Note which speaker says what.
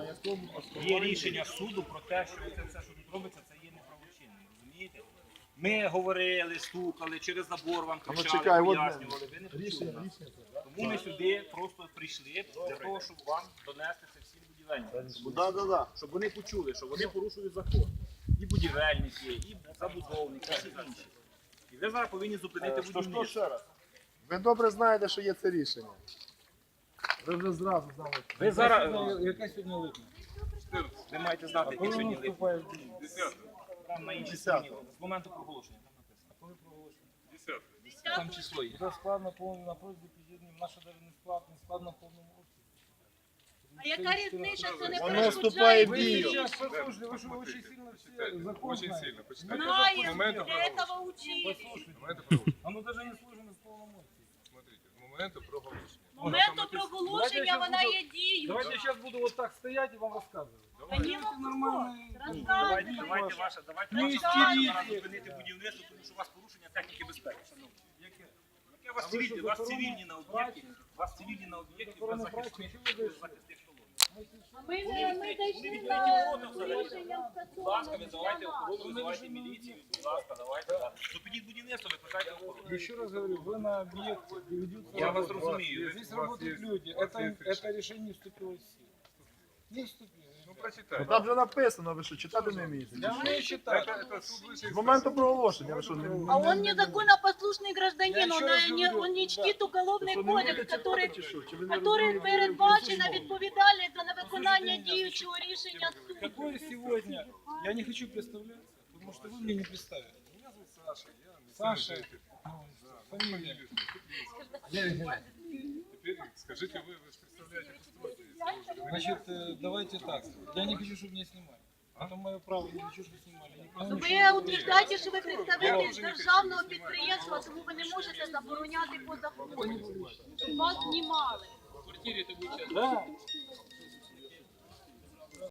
Speaker 1: Є рішення суду про те, що це все, що тут робиться, це є неправочинним. Розумієте? Ми говорили, стукали, через забор вам кричали, пояснювали, ви не почули нас. Тому ми сюди просто прийшли для того, щоб вам донести це всім будівельникам. Щоб вони почули, що вони порушують закон. І будівельники, і забудовники, і всі інші. І ви зараз повинні зупинити будівництво.
Speaker 2: Ви добре знаєте, що є це рішення. Ви вже зразу знали.
Speaker 1: Ви зараз,
Speaker 3: Яка сьогодні липня?
Speaker 1: ви маєте знати, які сьогодні липні.
Speaker 3: Вступає в дію.
Speaker 1: Там на іншій стороні, з моменту проголошення, там написано.
Speaker 3: Коли проголошено?
Speaker 1: Там число є.
Speaker 3: Вже складно повний на просьбі під'єднання. Наша навіть не складно в повному обсязі.
Speaker 4: А яка різниця, це не
Speaker 2: Воно вступає
Speaker 4: перешкоджає
Speaker 2: в
Speaker 3: Вы
Speaker 2: дію.
Speaker 3: сейчас послушайте, вы что очень сильно все закон
Speaker 5: Очень
Speaker 3: знаете.
Speaker 5: сильно. Почитайте.
Speaker 4: Знаем,
Speaker 5: Моменту
Speaker 4: для этого учились.
Speaker 3: Послушайте,
Speaker 5: Моменту проголошення.
Speaker 3: оно даже не сложено с полномочий.
Speaker 5: Смотрите, з моменту проголошення.
Speaker 4: Моменту проголошення вона є дією.
Speaker 3: Давайте я сейчас буду вот так стоять и вам рассказывать.
Speaker 4: Понімно?
Speaker 1: Давайте
Speaker 4: Розказуй.
Speaker 1: ваша
Speaker 3: Не
Speaker 1: зараз
Speaker 3: істерійте.
Speaker 1: зупинити будівництво, тому що у вас порушення техніки безпеки, шановні. Яке у вас цивільні? У вас цивільні на об'єкті, у вас цивільні на об'єкті без захисних колон.
Speaker 4: Ми дійшли на рішення
Speaker 1: Будь ласка,
Speaker 4: стосовно
Speaker 1: визивайте охорону, визивайте міліцію, будь ласка, давайте. Зупиніть будівництво, викликайте охорону.
Speaker 3: Еще раз говорю, вы на объекте, где ведутся
Speaker 1: Я вас
Speaker 3: работы.
Speaker 1: разумею.
Speaker 3: Здесь
Speaker 5: У вас
Speaker 3: работают
Speaker 5: есть-
Speaker 3: люди.
Speaker 5: у вас есть
Speaker 3: Это решение не вступило в силу. Не вступило.
Speaker 5: Ну прочитайте.
Speaker 2: Там вже написано, ви що, читати не вмієте?
Speaker 3: Я умею читать.
Speaker 5: Это суд высшей
Speaker 2: З моменту проголошення, ви що,
Speaker 4: А он незаконнопослушный гражданин,
Speaker 3: Я еще раз говорю,
Speaker 4: он не чтит уголовный
Speaker 2: що, не вмієте
Speaker 4: кодекс,
Speaker 2: читати чи що? Чи ви не
Speaker 4: который
Speaker 2: розумієте?
Speaker 4: передбачена відповідальність за невиконання діючого рішення суду.
Speaker 3: Какое сегодня? Я не хочу представляться, потому что вы мне не представили.
Speaker 5: Меня зовут Саша. Я
Speaker 3: Саша.
Speaker 5: местный житель.
Speaker 3: Фамилия.
Speaker 5: Теперь скажите вы же представляете постройку.
Speaker 3: Значит, давайте так. Я не хочу, чтобы меня снимали. Это мое право, я не хочу, чтобы снимали. Я не
Speaker 4: Ну,
Speaker 3: знаю,
Speaker 4: ви утверждаєте, що ви представитель державного підприємства, тому ви не можете забороняти по закону, щоб вас знімали.
Speaker 3: Да.